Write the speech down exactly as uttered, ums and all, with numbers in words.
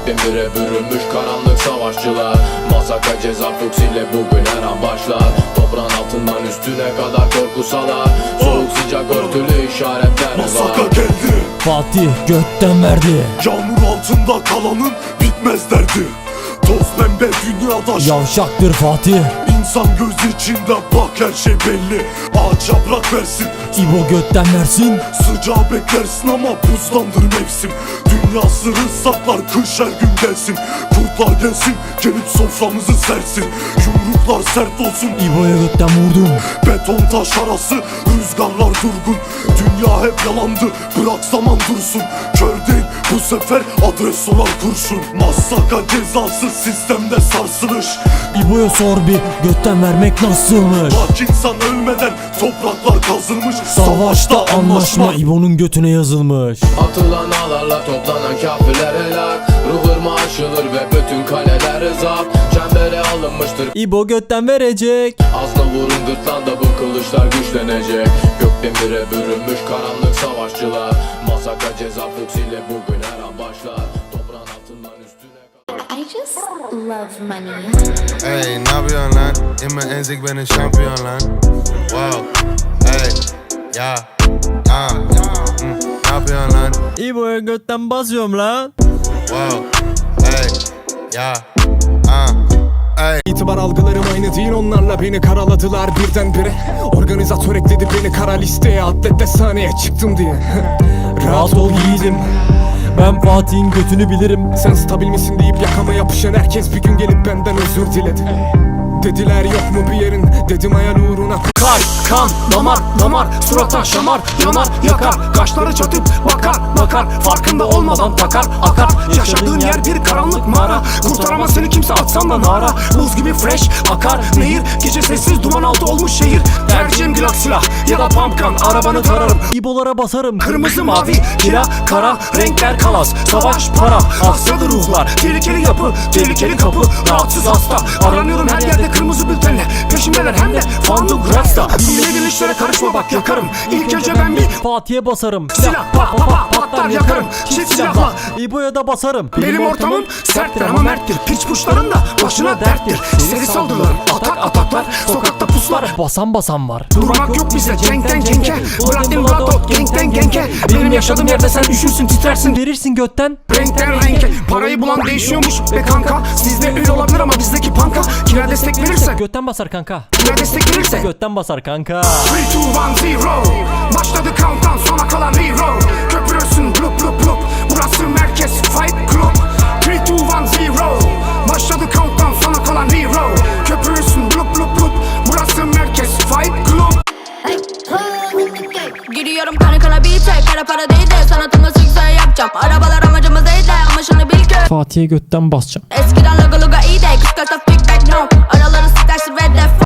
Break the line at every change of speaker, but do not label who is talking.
bin bire bürünmüş karanlık savaşçılar. Masaka ceza fuksiyle bugün her an başlar. Toprağın altından üstüne kadar korkusalar. Soğuk sıcak örtülü işaretler var.
Masaka geldi,
Fatih götten verdi.
yağmur altında kalanın bitmez derdi. Toz pembe dünyada
Yavşaktır Fatih.
İnsan göz içinde bak her şey belli. Ağaç yaprak versin,
İbo götten versin.
sıcağı beklersin ama buzlandır mevsim. Dünya sırrı saklar kış her gün gelsin. Kurtlar gelsin gelip soframızı sersin. Yumruklar sert olsun,
İbo'ya götten vurdum.
beton taş arası rüzgarlar durgun. Dünya hep yalandı, bırak zaman dursun. Kör değil bu sefer adres olan kurşun. Masaka cezası sistemde sarsılış.
İbo'ya sor bir götten vermek nasılmış.
Bak insan ölmeden topraklar kazılmış.
Savaşta anlaşma İbo'nun götüne yazılmış.
Atılan ağlarla toplanan kafirler helak. Ruh ırmağı aşılır ve bütün kaleler zapt. Çembere alınmıştır,
İbo götten verecek.
azla vurun gırtlanda bu kılıçlar güçlenecek. Gökten bire bürünmüş karanlık savaşçılar. Masaka ceza fuksiyle bugün her an başlar. Toprağın altından üstüne
I just love money.
Ey ne yapıyorsun lan? İmme enzik benim şampiyon lan. Wow. Ey ya. Ah. Hmm. Ne yapıyorsun lan?
İbo'ya götten basıyorum lan.
Wow. Ey ya. Ah. Ey.
İtibar algılarım aynı değil, onlarla beni karaladılar birdenbire. Organizatör ekledi beni kara listeye, atlette sahneye çıktım diye. Rahat ol yiğidim,
Ben Fatih'in götünü bilirim.
sen stabil misin deyip yakama yapışan herkes bir gün gelip benden özür diledi. Dediler yok mu bir yerin, dedim hayal uğruna.
Kay, kan, damar, damar, surata şamar, yanar, yakar, kaşları çatıp bakar, bakar, farkında olmadan takar, akar. Yaşadığın yer bir karanlık mağara, kurtaramaz seni kimse atsan da nara. Buz gibi fresh, akar nehir, gece sessiz duman altı olmuş şehir. Tercihim glock silah ya da pumpgun, arabanı tararım.
İbo'lara basarım.
Kırmızı mavi, kira, kara, renkler kalas, savaş para, aksadı ruhlar, tehlikeli yapı, tehlikeli kapı, rahatsız hasta. Aranıyorum her yerde kırmızı bültenle, peşimdeler hem de Fandu Graz'da. Bilmediğin işlere karışma bak yakarım, İlk önce ben bir
Fatih'e basarım.
silah pa pa pa patlar yakarım, çift silahla.
İbo'ya da basarım.
Benim ortamım serttir ama merttir, piç puşların da başına derttir. Seri saldırılarım, atak ataklar, sokakta puslar.
Basan basan var.
Durmak yok bize cenkten genke, Bıraktım Vladot genkten genke. Benim yaşadığım yerde sen üşürsün titrersin.
Verirsin götten.
Renkten renke, parayı bulan değişiyormuş be kanka. Sizde ül olabilir ama bizdeki panka. Kira destek verirse,
Götten basar kanka.
kira destek verirse
Götten basar kanka.
three, two, one, zero. Başladı countdown, sona kalan hero. Köpürürsün blup blup blup, burası merkez fight club. three, two, one, zero. Başladı countdown, sona kalan hero. Köpürürsün blup blup blup, burası merkez fight club.
Gidiyorum kana kana beat'e, kara para değil de sanatımı sikse yapacağım. Arabalar amacımız değil de ama şunu bil ki
Fatih'e götten basacağım.
eskiden lagı